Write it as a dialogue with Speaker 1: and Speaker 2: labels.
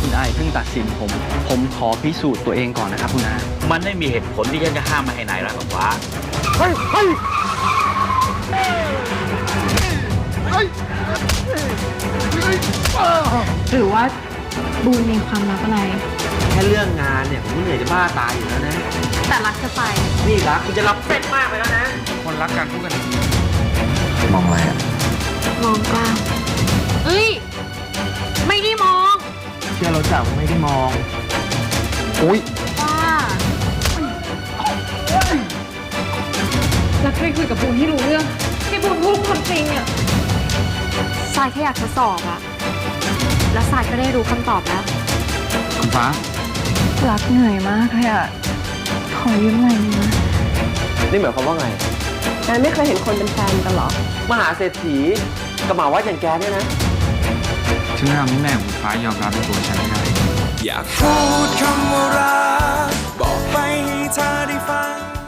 Speaker 1: คุณอาอย่าเพิ่งตัดสินผมขอพิสูจน์ตัวเองก่อนนะครับคุณอา
Speaker 2: มันไม่มีเหตุผลที่ฉันจะห้ามไม่ให้นายรักกับฟ้า
Speaker 3: หรือว่าบูนมีความลับอะไร
Speaker 4: แค่เรื่องงานเนี่ยผมก็เหนื่อยจะบ้าตายอยู่แล้วนะ
Speaker 3: แต่รักจะไป
Speaker 4: นี่รักคุณจะรับเป็นมากไปแล้วนะ
Speaker 1: คนรักกันพูดกัน
Speaker 4: มองอะไรอ่ะ
Speaker 3: มองกล้ามเอ้ย ไม่ได้มอง
Speaker 4: เชื่อเราจับไม่ได้มองอุ้ย
Speaker 3: ว่าแล้วเคยคุยกับบูนที่รู้เรื่องให้บูนพูดความจริงอะสายแค่อยากทดสอบอะแล้วสายก็ได้รู้คำตอบแล้ว
Speaker 1: คุณฟ้า
Speaker 3: รักเหนื่อยมากเลยอะขอยืมหน่อยนึงนะ
Speaker 4: นี่หมายความว่าไง
Speaker 3: นายไม่เคยเห็นคนเป็นแฟนกันหรอ
Speaker 4: มหาเศรษฐีกับหมาวัดอย่างแกเนี่ยนะ
Speaker 1: ฉันจะทำให้แม่ของคุณฟ้ายอมรับในตัวฉันให้ได้
Speaker 5: อยากพูดคำว่ารักบอกไปให้เธอได้ฟัง